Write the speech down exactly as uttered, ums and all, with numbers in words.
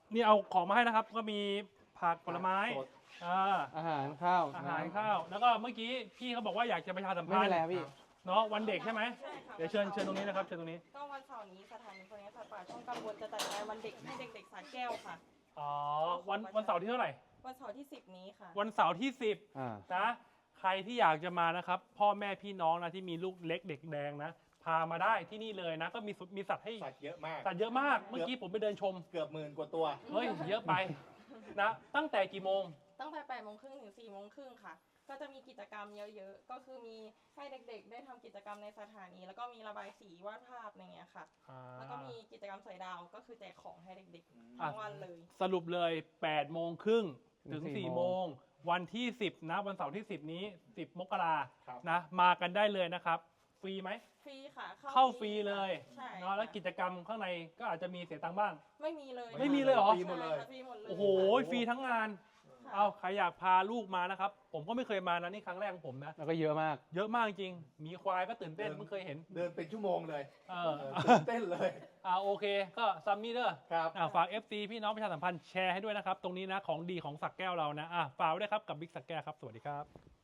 นี่เอาของมาให้นะครับ ก็มีผักผลไม้สดอ่าอาหารข้าวอาหารข้าว แล้วก็เมื่อกี้พี่เขาบอกว่าอยากจะประชาสัมไม่พันเป็นธ์ไรพี่เนาะวันเด็กใช่ไหมใช่ค่ะเดี๋ยวเชิญเชิญตรงนี้นะครับเชิญตรงนี้ก็วันเสาร์นี้สถานีคนนี้สัตว์ป่าช่องกังวลจะจัดงานวันเด็กให้เด็กๆสระแก้วค่ะอ๋อวันวันเสาร์ที่เท่าไหร่วันเสาร์ที่สิบนี้ค่ะวันเสาร์ที่สิบอ่านะใครที่อยากจะมานะครับ พ่อแม่พี่น้องนะที่มีลูกเล็กเด็กแดงนะ พามาได้ที่นี่เลยนะ ก็มีสุมีสัตว์ให้สัตว์เยอะมากสัตว์เยอะมาก เมื่อกี้ผมไปเดินชมเกือบหมื่นกว่าตัวเฮ้ย เยอะไปนะตั้งแต่กี่โมงตั้งแต่แปดโมงครึ่งถึงสี่โมงครึ่งค่ะ ก็จะมีกิจกรรมเยอะๆ ก็คือมีให้เด็กๆ ได้ทำกิจกรรมในสถานี แล้วก็มีระบายสีวาดภาพอะไรเงี้ยค่ะ แล้วก็มีกิจกรรมสอยดาว ก็คือแจกของให้เด็กๆ ทั้งวันเลยสรุปเลยแปดโมงครึ่งถึงถึงสี่สี่โมโมงงวันที่สิบนะ วันเสาร์ที่สิบนี้สิบมกราครับนะ มากันได้เลยนะครับ ฟรีไหมฟรีค่ะเข้าฟรีเลยใช่เนาะแล้วกิจกรรมข้างในก็อาจจะมีเสียตังค์บ้างไม่มีเลยไม่มีเลยเหรอฟรีหมดเลยใช่ค่ะฟรีหมดเลยโอ้โห ฟรีทั้งงานค่ะเอาใครอยากพาลูกมานะครับ ผมก็ไม่เคยมานะนี่ครั้งแรกของผมนะแล้วก็เยอะมากเยอะมากจริง มีควายก็ตื่นเต้นเพิ่งเคยเห็นเดินเป็นชั่วโมงเลยเอเอออตื่นเต้นเลยอ่าโอเค ก็ซัมมี่เด้อครับอ่าฝาก เอฟ ซี พี่น้องประชาสัมพันธ์แชร์ให้ด้วยนะครับ ตรงนี้นะของดีของสักแก้วเรานะอ่าฝากไว้ด้วยครับกับบิ๊กสักแก้วครับ สวัสดีครับ